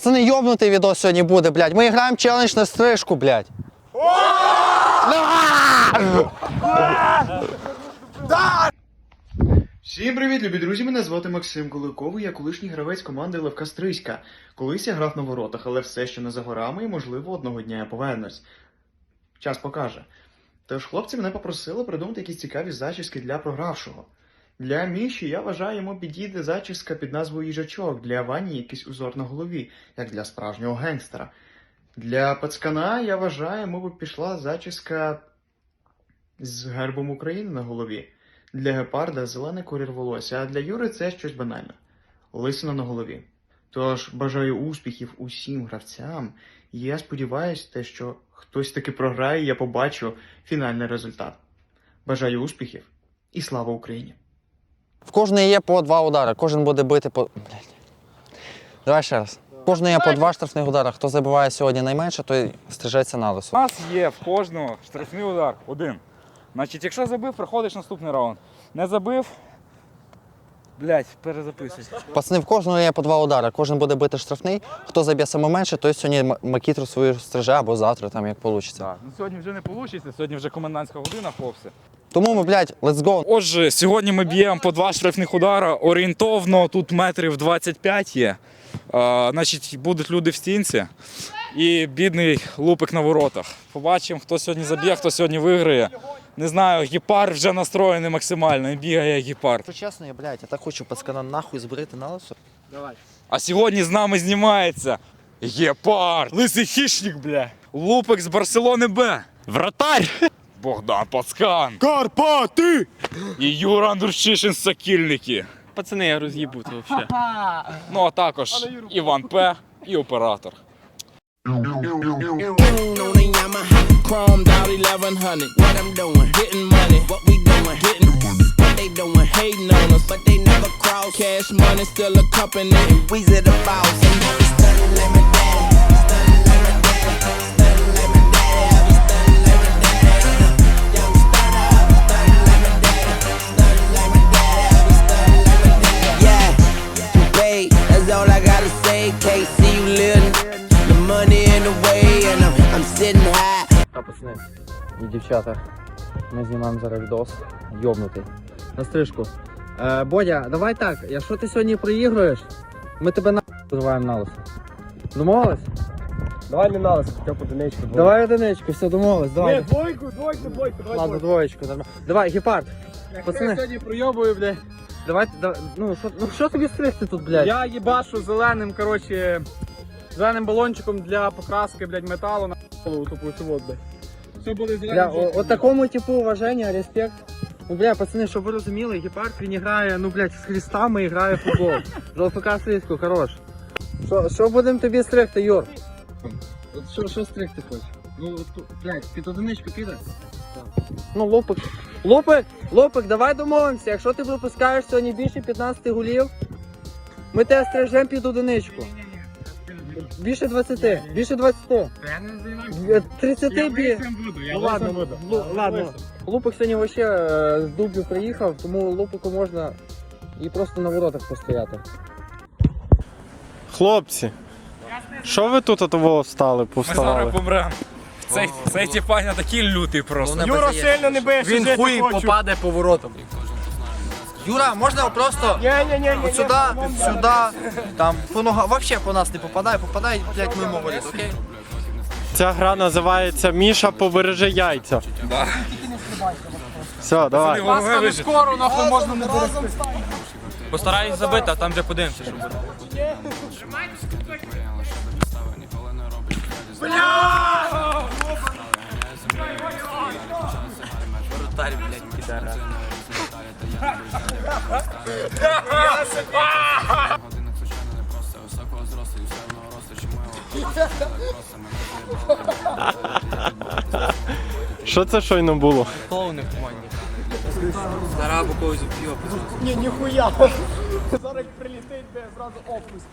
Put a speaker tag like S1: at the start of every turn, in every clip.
S1: Пацани, йобнутий відос сьогодні буде, блядь. Ми граємо челендж на стрижку, блядь.
S2: Всім привіт, любі друзі! Мене звати Максим Куликовий, я колишній гравець команди Левка Стрийська. Колись я грав на воротах, але все ще не за горами і, можливо, одного дня я повернусь. Час покаже. Тож хлопці мене попросили придумати якісь цікаві зачіски для програвшого. Для Міші, я вважаю, йому підійде зачіска під назвою їжачок, для Вані якийсь узор на голові, як для справжнього генгстера. Для пацкана, я вважаю, йому б пішла зачіска з гербом України на голові. Для гепарда зелений колір волосся, а для Юри це щось банальне. Лисина на голові. Тож бажаю успіхів усім гравцям, і я сподіваюся, що хтось таки програє, і я побачу фінальний результат. Бажаю успіхів і слава Україні!
S1: В кожної є по 2 удари, кожен буде бити по... Блядь. Давай ще раз. В кожної є по 2 штрафних удари. Хто забиває сьогодні найменше, той стрижеться на лисо.
S3: У нас є в кожного штрафний удар один. Значить, якщо забив, проходиш наступний раунд. Не забив, блядь, перезаписуй.
S1: Пацани, в кожного є по 2 удари, кожен буде бити штрафний. Хто заб'є саме менше, той сьогодні макітру свою стриже або завтра, там як вийде.
S3: Так, ну сьогодні вже не вийде, сьогодні вже комендантська година, хлопці.
S1: Тому ми, блядь, let's go.
S3: Отже, сьогодні ми б'ємо по 2 штрафних удара, орієнтовно тут метрів 25 є. Значить, будуть люди в стінці і бідний лупик на воротах. Побачимо, хто сьогодні заб'є, хто сьогодні виграє. Не знаю, гепард вже настроєний максимально, і бігає як гепард.
S1: Якщо чесно, я, блядь, я так хочу пацкана нахуй збрити на лисо.
S3: Давай. А сьогодні з нами знімається гепард, лисий хищник, бля. Лупик з Барселони Б. Вратарь. Богдан Пацкан. Карпати. І Юра Андрущишин з Сокільники.
S4: Пацани, я роз'їбу це взагалі.
S3: Ну а також Іван П. і оператор.
S5: Chromed out 1100. What I'm doing, getting money. What we doing, getting money. What they doing, hating on us, but they never cross. Cash money still a company, and we's at the boss. And now we stunning like my daddy, stunning like my daddy, stunning like my daddy. I be stunning like my daddy. Yeah, we stunning up, stunning like my daddy, stunning like my daddy. I be stunning like my daddy. Yeah, you paid. That's all I gotta say. Can't see you living. The money in the way, and I'm sitting high.
S1: Пацани і дівчата, ми знімаємо зараз відос, йобнутий, на стрижку. Бодя, давай так, якщо ти сьогодні проігруєш, ми тебе нахуй визиваємо на лисо. Домовились?
S4: Давай не на лисо, хоча б одиничку.
S1: Давай одиничку, все, домовились, давай.
S4: Ні, двойку, давай.
S1: Ладно, двоєчку, нормально. Давай, гепард, пацани.
S4: Я сьогодні пройобую, блядь.
S1: Давай, ну що тобі стригти тут, блядь?
S4: Я їбашу зеленим, коротше, зеленим балончиком для покраски, блядь, металу на голову тупу цю, блядь. Все буде зеленим.
S1: От такому типу уваження, респект. Ну, бля, пацани, щоб ви розуміли, гепард він грає, ну, блядь, з хрестами і грає в футбол. З ЛФК Стрийську, хорош. Що будемо тобі стригти, Юр? От що стригти хочеш? Ну, блядь, під одиничку піде? Ну, Лупик, давай домовимося. Якщо ти випускаєш сьогодні більше 15 голів, ми тебе стрижемо під одиничку. Більше 20, більше 20.
S4: Я не займаюся.
S1: 30 бі.
S4: буду,
S1: Ну ладно, ладно. Лупик сьогодні вообще з Дублю приїхав, тому Лупику можна і просто на воротах постояти.
S6: Хлопці, що ви тут того встали,
S3: Ми
S6: повставали?
S3: зараз помремо. Цей тіпаня такий лютий просто.
S4: Юра сильно не бije,
S1: Він хуй попаде по воротам. Юра, можна просто от сюди, там, по ногам, вообще по нас не попадає, блядь, мимо воріт, окей?
S6: Ця гра називається Міша, побережи яйця.
S3: Да.
S6: Все, давай.
S3: Головне вижити.
S4: скоро, нахуй, можна не берегти.
S7: Постараюсь забити, а там вже подивимося, що буде. Воротарь, блядь, підара.
S6: Що це щойно було?
S7: Клоуни в команді. Зараз або когось вб'є.
S4: Ні, ніхуя. Зараз як прилітить, де зразу опуск.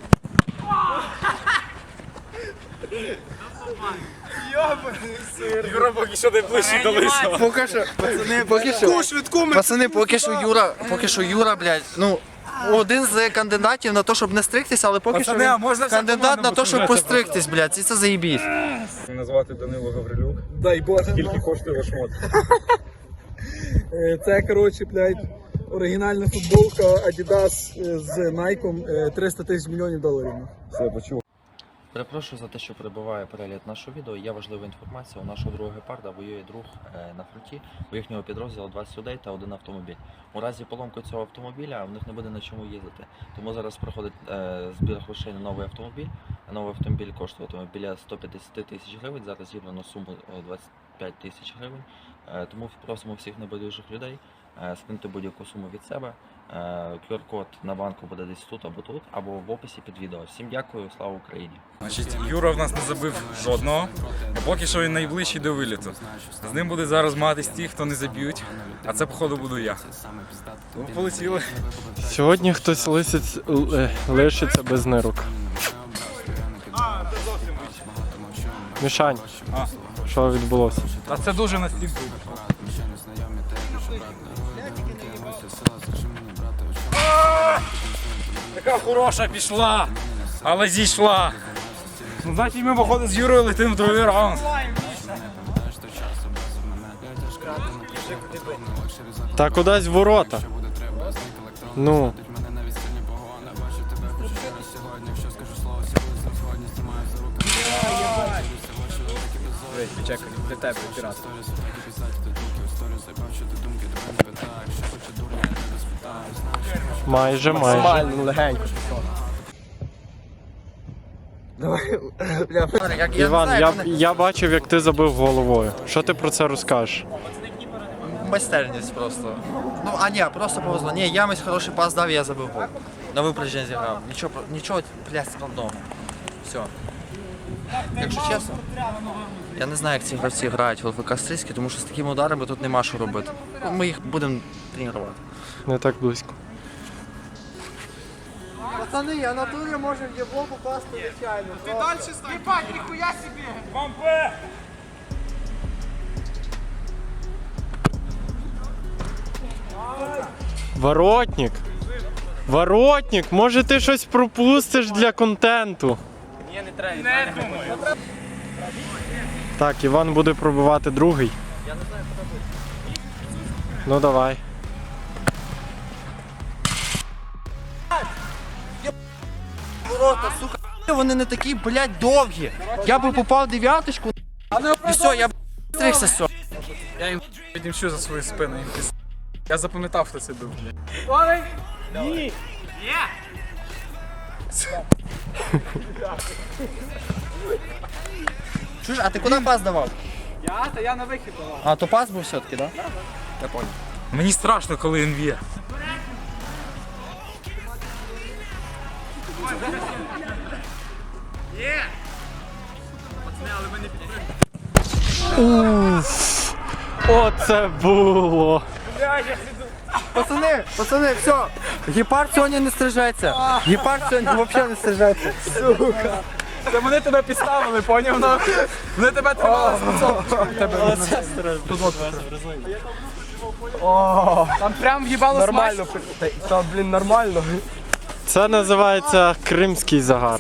S3: Юра поки що найближчий до лисого.
S1: Поки що, пацани, поки що Юра, блядь, ну, один з кандидатів на те, щоб не стригтися, але поки
S3: Пацани,
S1: що
S3: а
S1: він
S3: можна вся
S1: кандидат
S3: команда
S1: на те, щоб
S3: посміятися
S1: постригтись, блядь, і це заєбісь.
S3: Мене звати Данило Гаврилюк.
S4: Дай Боже.
S3: Скільки коштує ваш мод?
S4: Це, коротше, блядь, оригінальна футболка Adidas з Nike, 300 тисяч мільйонів доларів.
S3: Все, почув.
S8: Перепрошую за те, що перебуває перегляд нашого відео. Є важлива інформація. У нашого другого гепарда воює друг на фронті. У їхнього підрозділу 20 людей та один автомобіль. У разі поломки цього автомобіля в них не буде на чому їздити. Тому зараз проходить збір грошей на новий автомобіль. Новий автомобіль коштуватиме біля 150 тисяч гривень. Зараз зібрано суму 25 тисяч гривень. Тому просимо всіх небайдужих людей скинути будь-яку суму від себе. QR-код на банку буде десь тут або в описі під відео. Всім дякую, слава Україні!
S3: Значить, Юра в нас не забив жодного, а поки що він найближчий до виліту. З ним буде зараз матись ті, хто не заб'ють, а це, походу, буду я. Тому полетіли.
S6: Сьогодні хтось лишиться без нирок. Мішань, що відбулося?
S3: Та це дуже настільки. Така хороша пішла, але зійшла. Ну, значить, ми, походу, з Юрою летимо в другий раунд.
S6: Та кудись в ворота. Ну.
S4: Чекай, для тебе, пірат.
S6: Майже.
S4: Легенько.
S6: Іван, я бачив, як ти забив головою. Що ти про це розкажеш?
S1: Майстерність просто. Ну, а ні, просто повезло. Ні, Ямець хороший пас дав, і я забив гол. На випередження зіграв. Нічого, блядь, складного. Все. Якщо чесно, я не знаю, як ці гравці грають в ЛФК Стрийський, тому що з такими ударами тут нема що робити. Ми їх будемо тренувати.
S6: Не так близько.
S1: Пацани, я на турі можу в єбло попасти звичайно. Ти далі стань. Єбать, ніхуя собі!
S3: Бампе!
S6: Воротник! Воротник! Може ти щось пропустиш для контенту?
S4: Ні, не треба.
S6: Так, Іван буде пробивати другий. Ну давай.
S1: Ворота, сука, вони не такі, блядь, довгі. Я би попав дев'яточку, і все, я б стригся, все.
S4: Я їм відімчу за свою спину. Я запам'ятав, хто це був.
S1: Чуєш, а ти куди пас давав?
S4: Я на вихід давав.
S1: А, то пас був все-таки, так? Я понял.
S3: Мені страшно, коли він б'є.
S6: Оце було!
S1: Пацани, все. Гепард сьогодні не стрижеться. Гепард сьогодні взагалі не стрижеться.
S4: Це вони тебе підставили, поняв, нахуй? Вони тебе тримали Там прям в'їбало нормально. Та, блін, нормально.
S6: Це називається кримський загар.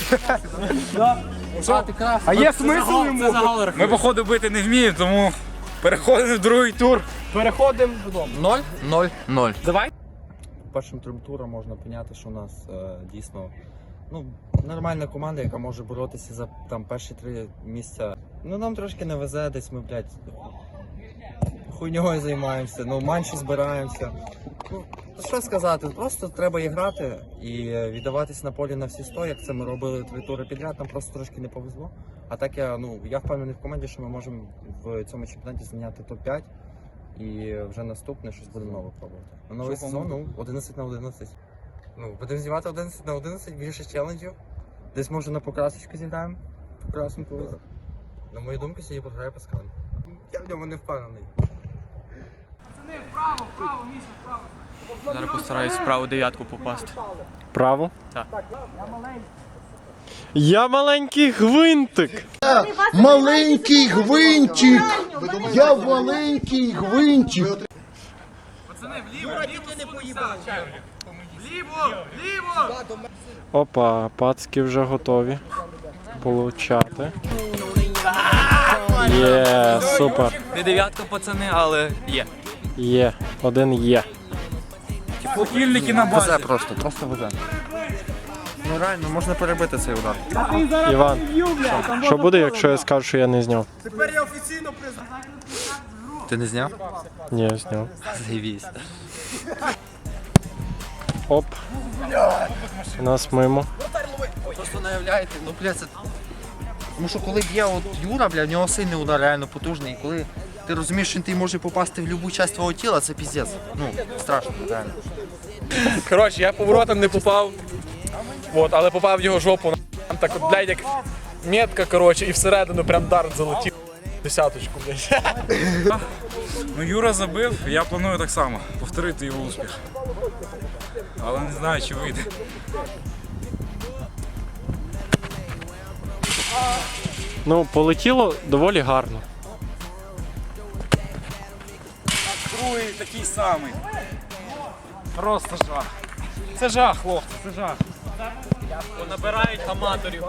S4: А є смисл йому?
S3: Ми, походу, бити не вміємо, тому переходимо в другий тур.
S4: Переходимо додому.
S1: 0-0-0.
S4: Давай.
S9: Першим трьом туром можна поняти, що у нас дійсно нормальна команда, яка може боротися за там перші 3 місця. Ну нам трошки не везе, десь ми, блядь, хуйньою займаємося, манші збираємося. Ну, що сказати, просто треба і грати і віддаватись на полі на всі 100, як це ми робили 3 тури підряд, нам просто трошки не повезло. А так я впевнений в команді, що ми можемо в цьому чемпіонаті зайняти топ-5 і вже наступне щось будемо нове пробувати. На новий сезон, 11 на 11. Будемо знімати 11 на 11, більше челенджів. Десь може на покрасочку зіграємо. Покрасеньку. На мою думку, сьогодні програє Паскаль. Я в ньому не впевнений.
S7: Зараз постараюсь справу дев'ятку попасти.
S6: Право?
S7: Так.
S6: Я маленький гвинтик.
S10: Маленький гвинтик! Я маленький гвинтик!
S4: Пацани, вліво, вліво, не поїбав.
S6: Опа, пацки вже готові получати. Є, супер.
S7: Не дев'ятка, пацани, але є.
S6: Є, один є.
S3: Покільники на базі.
S9: Просто везе. Ну реально, можна перебити цей удар.
S6: Іван, що буде, якщо я скажу, що я не зняв?
S9: Ти не зняв?
S6: Ні, я зняв.
S9: Заєбісь.
S6: Оп. У нас мимо.
S9: Просто не уявляєте, ну бля, це... Тому що коли б'є от Юра, бля, в нього сильний удар реально потужний. І коли ти розумієш, що він може попасти в будь-яку частину твого тіла, це піздець. Ну, страшно, реально.
S4: Коротше, я поворотом не попав, от, але попав в його жопу. Там так от, блядь, як метка, коротше, і всередину прям дарт залетів. Десяточку, блядь.
S3: Ну, Юра забив, я планую так само повторити його успіх. Але не знаю, чи вийде.
S6: Ну, полетіло доволі гарно.
S3: Другий такий самий. Просто жах. Це жах, хлопці, це жах.
S4: Набирають аматорів.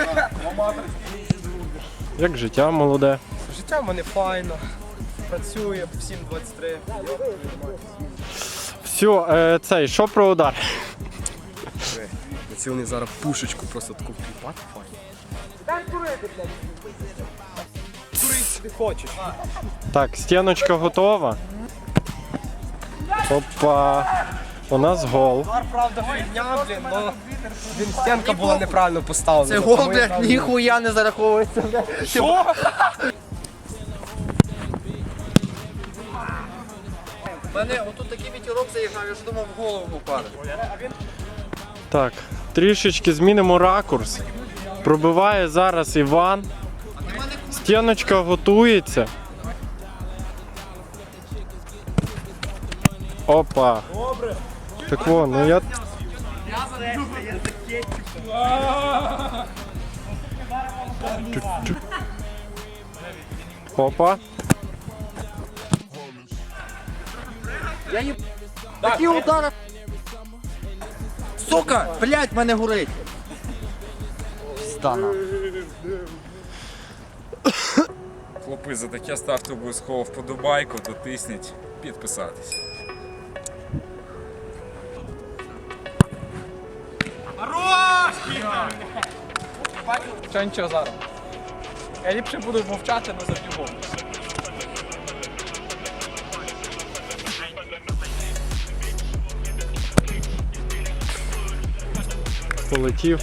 S6: Як життя молоде.
S4: Життя в мене файно. Працює, всім 23.
S6: Все, цей, що про удар?
S7: Ці вони зараз пушечку просто таку вкліпати файно.
S6: Так, стіночка готова. Опа. У нас гол.
S4: Правда, фігня, блін, но стінка була неправильно поставлена.
S9: Це гол, блядь, ніхуя не зараховується, бля.
S4: Що?
S9: У мене отут такий вітірок заїжджав, я ж думав в голову попаде.
S6: Так, трішечки змінимо ракурс. Пробиває зараз Іван. Стіночка готується. Опа. Так вон, ну я... Опа.
S9: Такі удари. Сука, блядь, мене горить. Стана.
S3: Хлопці, за таке ставте обов'язково вподобайку, дотисніть, підписатись.
S4: Що нічого зараз. Я ліпше буду мовчати, але завжди мовчу.
S6: Полетів.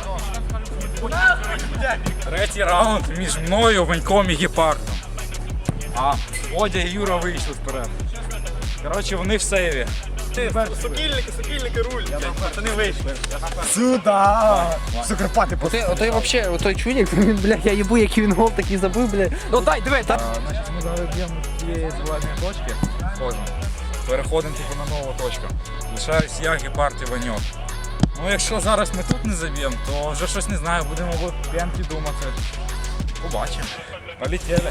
S3: Третій раунд між мною, Ваньком і Гепардом. А Водя і Юра вийшли вперед. Коротше, вони в сейві.
S4: Сокільники руль. Пацани вийшли.
S9: Отой вообще, отой чудик, він, бля, я їбу, який він гол такий забив, бля.
S4: Ну дай, дивись, так.
S3: Значить, ми зараз б'ємо з цієї зеленої точки. Переходимо типу на нову точку. Лишаюсь я, Гепард і Ваньок. Ну якщо зараз ми тут не заб'ємо, то вже щось не знаю, будемо в п'янки думати. Побачимо. Полетіли.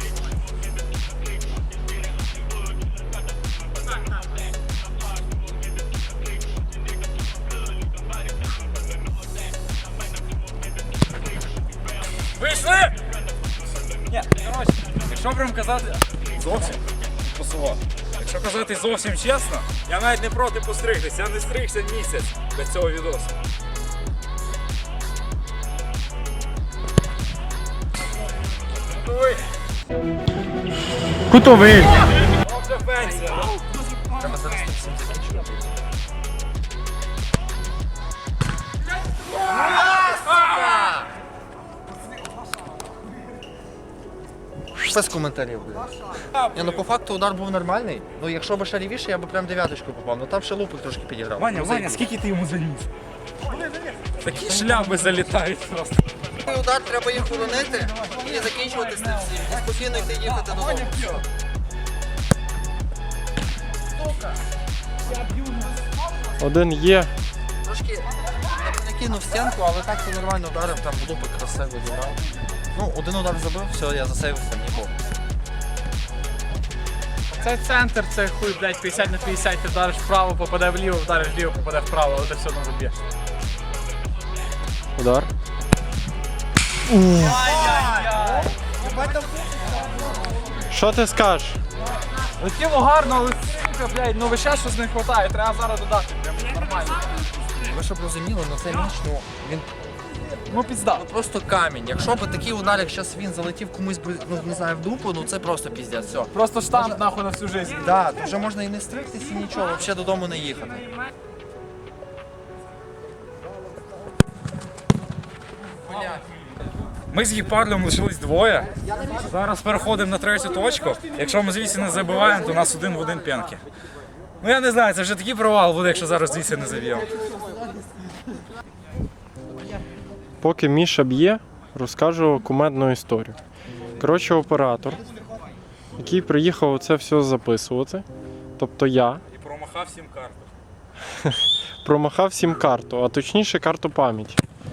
S3: Вийшли! Ні, коротше, якщо прям казати зовсім посило. Якщо казати зовсім чесно, я навіть не проти постригтися, я не стригся місяць для цього відосу.
S6: Кутовий.
S3: Вже пенсія.
S9: Треба зараз всім закінчувати. Без коментарів, блядь. Ні, ну по факту удар був нормальний. Ну якщо б ще лівіше, я б прям дев'яточку попав. Ну там ще лупик трошки підіграв.
S3: Ваня,
S9: Ну,
S3: Ваня, скільки ти йому заніс? Такі шляпи залітають просто.
S9: Удар треба їх уронити і закінчувати з цим всім. І спокійно йти їхати додому. Все.
S6: Один є.
S9: Трошки накинув стінку, але так це нормально ударив, там лупик красиво зіграв. Ну, один удар забив, все, я засейвився, нікого.
S4: Це центр, це хуй, блядь, 50 на 50, ти вдариш вправо, попаде вліво, вдариш вліво, попаде вправо, але ти все одно заб'єш.
S6: Удар. Що ти скажеш?
S4: Летіло гарно, але сука, блядь, ну ви ще щось не вистачає, треба зараз додати. Прям нормально.
S9: Ви щоб розуміли, ну це міч, ну він
S4: Ну пізда.
S9: просто камінь. Якщо б такий удар, як зараз він залетів комусь би, ну не знаю, в дупу, ну це просто піздець, все.
S4: Просто штамп нахуй на всю життя.
S9: Да, то вже можна і не стригтись, і нічого, взагалі додому не їхати.
S3: Ми з Гепардом лишились двоє. Зараз переходимо на третю точку. Якщо ми звідси не забиваємо, то у нас 1 в 1 п'янки. Ну я не знаю, це вже такий провал буде, якщо зараз звідси не заб'ємо.
S6: Поки Міша б'є, розкажу кумедну історію. Коротше, оператор, який приїхав це все записувати, тобто я,
S3: І промахав 7 карту.
S6: промахав сім-карту, а точніше карту пам'яті.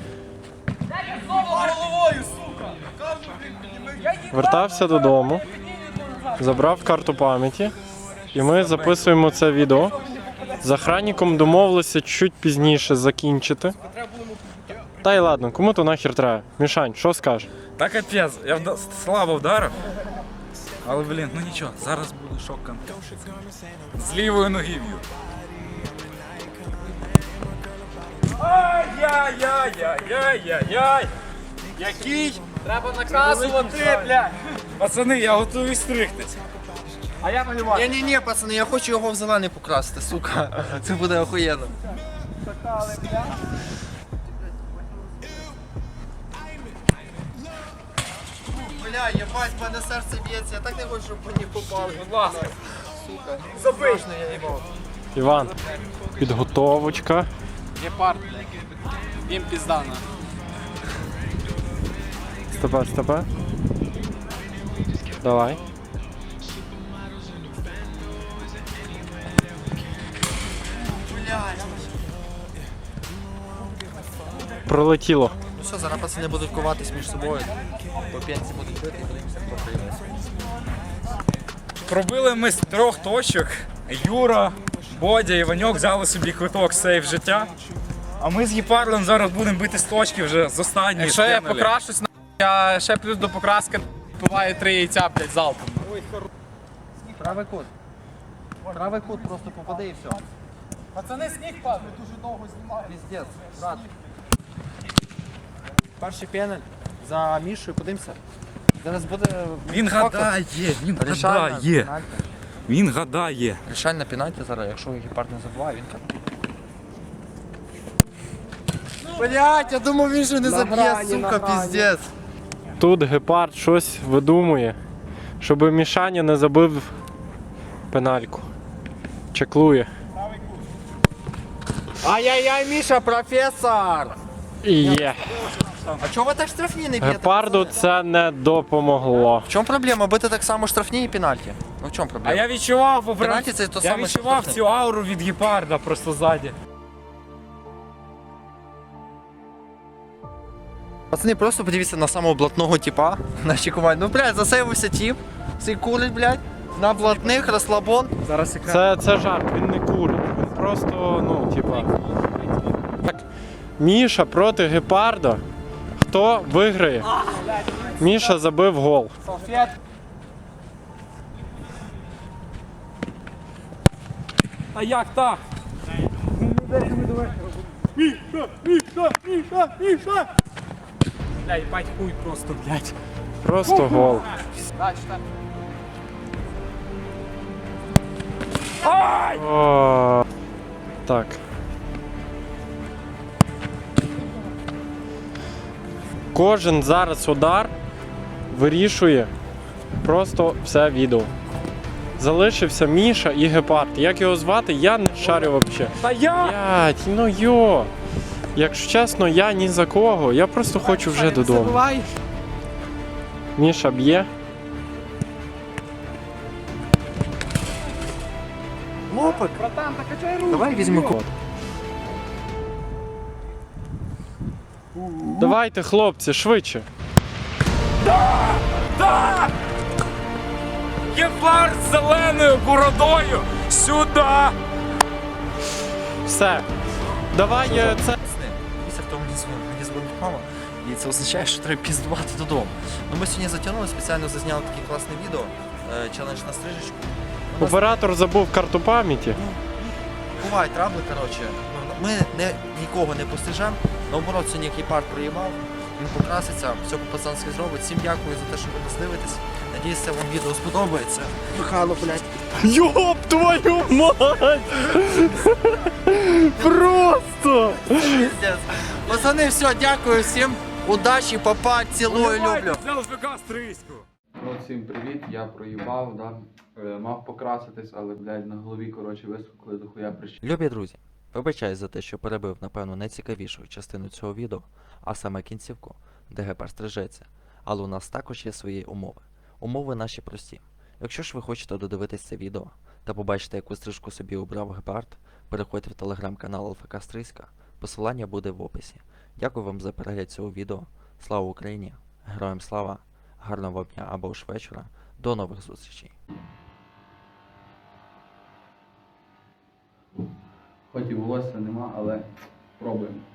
S6: Вертався додому, забрав карту пам'яті, і ми записуємо це відео. З охранником домовилися чуть пізніше закінчити. Та й ладно, кому то нахер треба? Мішань, що скажеш?
S3: Та капець, я слабо вдарив. Але, блін, ну нічого, зараз буде шок-контент. З лівої ноги б'ю. Ай-яй-яй-яй-яй-яй! Який?
S4: Треба наказувати, блядь.
S3: Пацани, я готовий стригтись.
S4: А я малювати.
S9: Ні, пацани, я хочу його в зелений покрасити, сука. Це буде охуєнно. Бля, єбать, в мене серце б'ється, я так не хочу, щоб мені попали.
S3: Будь ласка.
S9: Сука.
S4: Забий.
S9: Страшно, я їбав.
S6: Іван, підготовочка.
S4: Гепард. Їм піздана.
S6: Стопе. Давай. Пролетіло.
S9: Ну все, зараз пацани будуть коватись між собою. По п'янці будуть бити і подивимося, хто прийде.
S3: Пробили ми з 3 точок. Юра, Бодя і Ваньок взяли собі квиток сейф життя. А ми з Гепардом зараз будемо бити з точки вже з останньої.
S4: Якщо я
S3: спинали.
S4: покрашусь, я ще плюс до покраски буває 3 яйця, блядь, залпом.
S9: Правий кут. Правий кут, просто попади і все.
S4: Пацани, сніг падає, дуже довго знімають.
S9: Піздець, брат. Перший пеналь за Мішою, подивимося. Зараз буде...
S3: Він гадає, він гадає.
S9: Рішальна пенальті зараз, якщо Гепард не забуває, він каже. Блять, я думав, він же не заб'є, сука, піздець.
S6: Тут Гепард щось видумує, щоб Мішаня не забив пенальку. Чеклує.
S9: Ай-яй-яй, Міша, професор!
S6: І є.
S9: А чого ви так штрафні не б'єте?
S6: Гепарду це не допомогло.
S9: В чому проблема? Бити так само штрафні і пенальті. Ну в чому
S3: А
S9: проблема?
S3: я відчував,
S9: Пенальті це то
S3: я
S9: саме, що
S3: відчував
S9: штрафний.
S3: цю ауру від Гепарда просто ззаді.
S9: Пацани, просто подивіться на самого блатного типа в нашій команді. Ну, блядь, засейвився тип, цей курить, блядь, на блатних, розслабон.
S3: Зараз екран.
S6: Це жарт, він не курить. Він просто, ну, типа. Так, Міша проти Гепарда. Хто виграє? Міша забив гол.
S4: Салфет.
S3: А як так? Бля, їбать хуй просто, блядь.
S6: Просто гол.
S4: Да, читай.
S6: О, так. Кожен зараз удар вирішує просто все відео. Залишився Міша і Гепард. Як його звати, я не шарю взагалі.
S3: Та я!
S6: Блять, ну йо. Якщо чесно, я ні за кого. Я просто хочу вже додому. Міша б'є.
S9: Лопик. Давай візьму код.
S6: Давайте, хлопці, швидше.
S3: Гепард з зеленою бородою! Сюди!
S6: Все. Давай це.
S8: Після того мені дзвонить мама, і це означає, що треба піздувати додому. Ну ми сьогодні затягнули, спеціально зазняли таке класне відео, челендж на стрижечку.
S6: Оператор забув карту пам'яті.
S8: Бувають трабли, коротше. Ми нікого не пострижемо, наоборот, сьогодні гепард проїбав, він покраситься, все по-пацанськи зробить. Всім дякую за те, що ви нас дивитесь. Надіюсь, вам відео сподобається. Михайло, блядь.
S6: Йоп твою мать! Просто!
S8: Пиздец. Пацани, все, дякую всім. Удачі, папа, цілую, люблю.
S3: З ЛФК Стрийську!
S7: Ну, всім привіт, я проїбав, да. Мав покраситись, але, блядь, на голові, коротше, висохли до хуя прищі.
S8: Любі друзі, вибачаюсь за те, що перебив, напевно, найцікавішу частину цього відео, а саме кінцівку, де гепард стрижеться. Але у нас також є свої умови. Умови наші прості. Якщо ж ви хочете додивитись це відео та побачити, яку стрижку собі обрав гепард, переходьте в телеграм-канал ЛФК Стрийська, посилання буде в описі. Дякую вам за перегляд цього відео. Слава Україні! Героям слава! Гарного вам дня або ж вечора. До нових зустрічей!
S7: Хоч і волосся нема, але пробуємо.